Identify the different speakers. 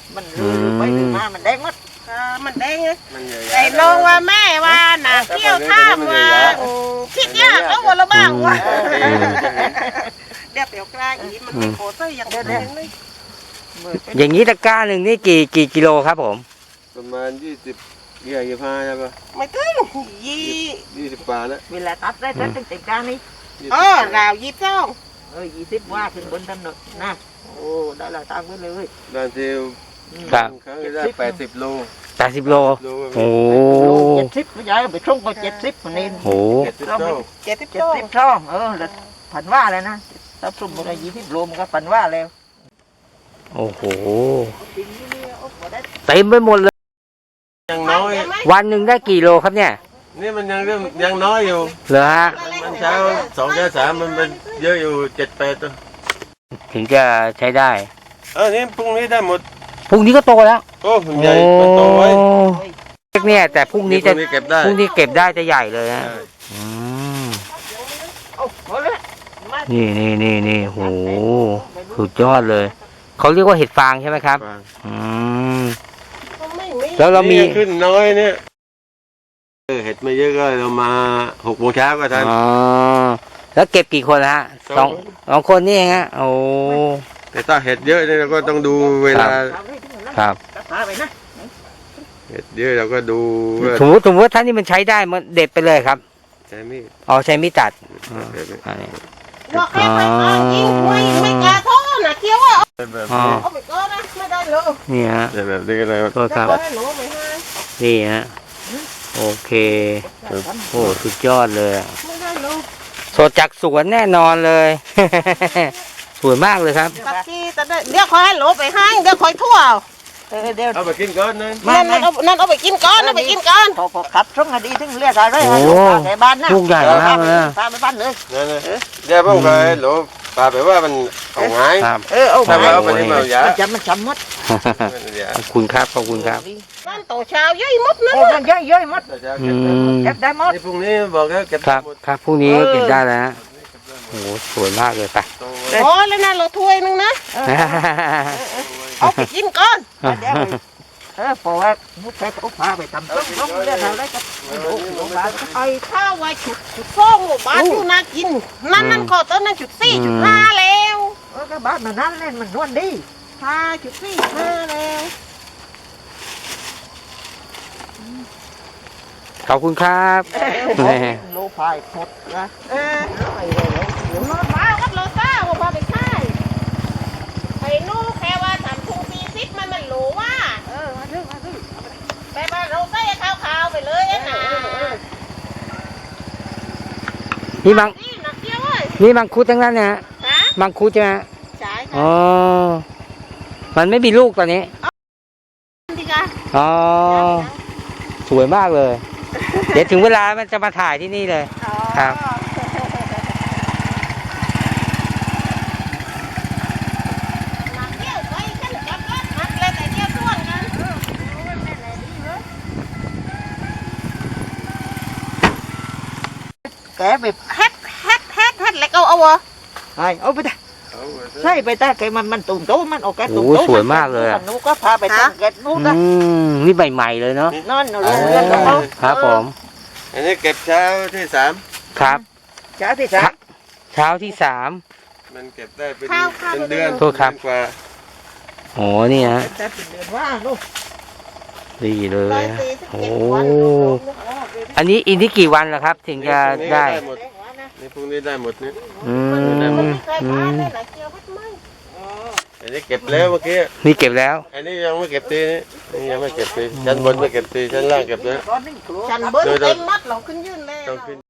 Speaker 1: มันลือไปลือมามันแดงหมด
Speaker 2: มันแดงไงแต่ลงว่าแม่ว่าหนาเกี่ยวท่ามว่าคิดยากแล้ววันละบ้างว่าเดี๋ยวเปียวกลางอีมันเป็นโคตรอย่างเดียวเลย
Speaker 3: อย่างนี้ตะกร้าหนึ่งนี่กี่กิโลครับผม
Speaker 4: ประมาณ25ใช่ปะ
Speaker 2: ไม่ถึง
Speaker 4: 20 บาทแล้ว
Speaker 1: เวลาตัดได้ตัดตั้งแต่กลางนี้
Speaker 2: ราว
Speaker 1: 20ว่าขึ้นบนถนนนะโอ้ได้ละตังไปเลย
Speaker 4: ด้านเซล
Speaker 3: ครับ
Speaker 4: ครั้งได้80 โล
Speaker 3: 80 โลโอ้
Speaker 1: 70ไม่ใช่ไปช่องก็70คนนี้
Speaker 3: โอ้
Speaker 1: 70ช่องแล้วผันว่าเลยนะถ้าสุ่มอะไร20 โลมันก็ผันว่าแล้ว
Speaker 3: โอ้โหเต็มไปหมดเลย
Speaker 4: ยังน้อย
Speaker 3: วันหนึ่งได้กี่โลครับเนี่ย
Speaker 4: นี่มันยังน้อยอยู่
Speaker 3: เหรอฮะ
Speaker 4: มันเช้า2 เช้า 3มันเป็นเยอะอยู่7-8ตัว
Speaker 3: ถึงจะใช้ได้
Speaker 4: นี่พรุ่งนี้ได้หมด
Speaker 3: พรุ่งนี้ก็โตแล้ว
Speaker 4: โอ้มันใหญ่มันโตไว้
Speaker 3: เล็กเนี่ยแต่พรุ่งนี้จะ
Speaker 4: เก็บได้
Speaker 3: พรุ่งนี้เก็บได้จะใหญ่เลยนะนี่โหสุดยอดเลยเขาเรียกว่าเห็ดฟางใช่ไหมครับแล้วเรามี
Speaker 4: ขึ้นน้อยเนี่ยเห็ดไม่เยอะก็เรามา6 โมงเช้าก็ทัน
Speaker 3: แล้วเก็บกี่คนฮะ2 คนนี่เองฮะโอ้
Speaker 4: แต่ถ้าเห็ดเยอะเนี่ยเราก็ต้องดูเวลา
Speaker 3: ครับ
Speaker 4: เห็ดเยอะเราก็ดู
Speaker 3: สมมติว่าท่านนี่มันใช้ได้มันเด็ดไปเลยครับ
Speaker 4: ใช้มีด
Speaker 3: ใช้มีดตัด
Speaker 2: ว่าใครไปยิงไม่กล้าท้อนะเกี่ยวเอาไปก็นะไม่ได้เลย
Speaker 3: นี่ฮะ
Speaker 4: แบบนี้อะไร
Speaker 3: ตัวครับนี่ฮะโอเคโอ้สุดยอดเลยสดจากสวนแน่นอนเลยสวยมากเลยครับ
Speaker 2: เดี๋ยวคอยให้โหลไปให้เดี๋ยวคอยทั่ว
Speaker 1: เดี๋ยว
Speaker 4: เอาไปกินก่อน
Speaker 2: นั่นเอาไปกินก่อน
Speaker 1: พอขับช่องดีถึงเรียกอะไรในบ้านนะ
Speaker 3: ลูกใหญ่มากเลย
Speaker 1: พาไปบ้านเลย
Speaker 4: เดี๋ยวผมเคยโหลปลาไปว่ามันเอาไง
Speaker 1: เอา
Speaker 4: ไปเอาไปนี่มาอย่า
Speaker 1: มันจำมัด
Speaker 3: ขอบคุณครับขอบคุณครับ
Speaker 2: บ้านโตเช้าย่อยมดนะ
Speaker 1: มันย่อยมดเก็บได้หมด
Speaker 4: พรุ่งนี้บอกแล้วเก็บ
Speaker 3: ครับพรุ่งนี้เก็บได้แล้วโอ้สวยมากเลยไป
Speaker 2: โอ้แล้วนะเราถ้วยนึงนะเอาไปกินก่อน
Speaker 1: เพราะว่ามุกแค่ต้องพาไปทำต้มเรื่องอะไรก็ดูบ้าน
Speaker 2: ไอ้ข้าวไว้จุดฟองบ้านอยู่น่ากินนั่นก็ต้นนั่น4.5แล้ว
Speaker 1: ก็บ้านมันนั่นเล่นมันนวลดี
Speaker 2: 5.45แล้ว
Speaker 3: ขอบคุณครับ
Speaker 1: โลพายหมดนะ
Speaker 2: รถมาวัดโลซ่าว่าพาไปค่ายไอ้นู่แค่ว่า3 มันโหลว่า
Speaker 1: มาซื้อ
Speaker 2: ไปบ้านเราใส่ข้าวไปเลยนะ
Speaker 3: นี่มังคุดทั้งนั้นนะมังคุดใช่ไหม
Speaker 2: ใช่
Speaker 3: อ๋อมันไม่มีลูกตอนนี้สวยมากเลยเดี๋ยวถึงเวลามันจะมาถ่ายที่นี่เลยครับ
Speaker 1: แกแบบ
Speaker 2: แฮดแล้วก็เอา
Speaker 1: เอาไปได้ใช่ไปได้แกมันตุ่มโตมันออกแกตุ่มโต
Speaker 3: สวยมากเลย
Speaker 1: นูก็พาไปตั้งแกนูก็
Speaker 3: นี่ใหม่ๆเลยเนาะ
Speaker 1: นั่นเรื่องของเขา
Speaker 3: ครับผม
Speaker 4: อันนี้เก็บเช้าที่3
Speaker 3: ครับ
Speaker 1: เช้าที่
Speaker 3: 3มัน
Speaker 4: เก็บได้เป็นเดือน
Speaker 3: โทษครับ
Speaker 4: กว่า
Speaker 3: โอ้นี่ฮะ
Speaker 1: เป็นเดือนว่าลูก
Speaker 3: ดีเลยโอ้อันนี้อีกที่กี่วันล่ะครับถึงจะได้
Speaker 4: นี่พรุ่งนี้ได้หมดนี่อันนี้เก็บแล้วเมื่อกี้
Speaker 3: นี่เก็บแล้ว
Speaker 4: อันนี้ยังไม่เก็บตีนี่ยังไม่เก็บตีชั้นบนไม่เก็บตีชั้นล่างเก็บแล้ว
Speaker 2: ชั้นบนเต็มมัดเราขึ้นยื่นแล้ว